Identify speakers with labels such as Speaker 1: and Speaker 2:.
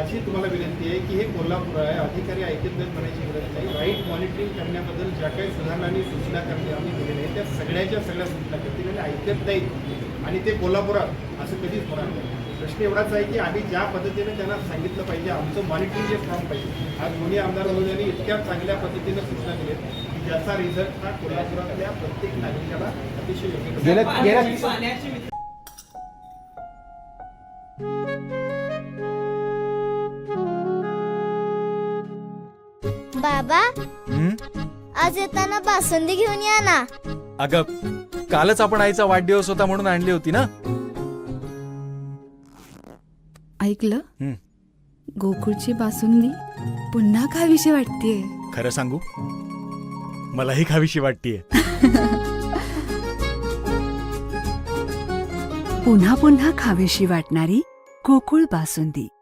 Speaker 1: अशी तुम्हाला विनंती आहे की हे कोल्हापूर आहे, अधिकारी ऐकत नाहीत म्हणायची गरज नाही. राईट मॉनिटरिंग करण्याबद्दल ज्या काही सुधारणा आणि सूचना करते आम्ही दिलेल्या आहेत त्या सगळ्या सूचना करतील आणि ऐकत नाहीत आणि ते कोल्हापुरात असं कधीच होणार नाही. प्रश्न एवढाच आहे की आम्ही ज्या पद्धतीने त्यांना सांगितलं पाहिजे, आमचं मॉनिटरिंग जे फॉर्म पाहिजे. आज दोन्ही आमदार महोदयांनी इतक्या चांगल्या पद्धतीनं सूचना दिल्या की ज्याचा रिझल्ट हा कोल्हापुरातल्या प्रत्येक नागरिकाला अतिशय योग्य
Speaker 2: बाबा आज येताना बासुंदी घेऊन या ना.
Speaker 3: अगं कालच आपण आईचा वाढदिवस होता म्हणून आणली होती ना.
Speaker 4: ऐकलं, गोकुळची बासुंदी पुन्हा खावीशी वाटतेय.
Speaker 3: खरं सांगू, मलाही खावीशी वाटतेय.
Speaker 4: पुन्हा पुन्हा खावीशी वाटणारी गोकुळ बासुंदी.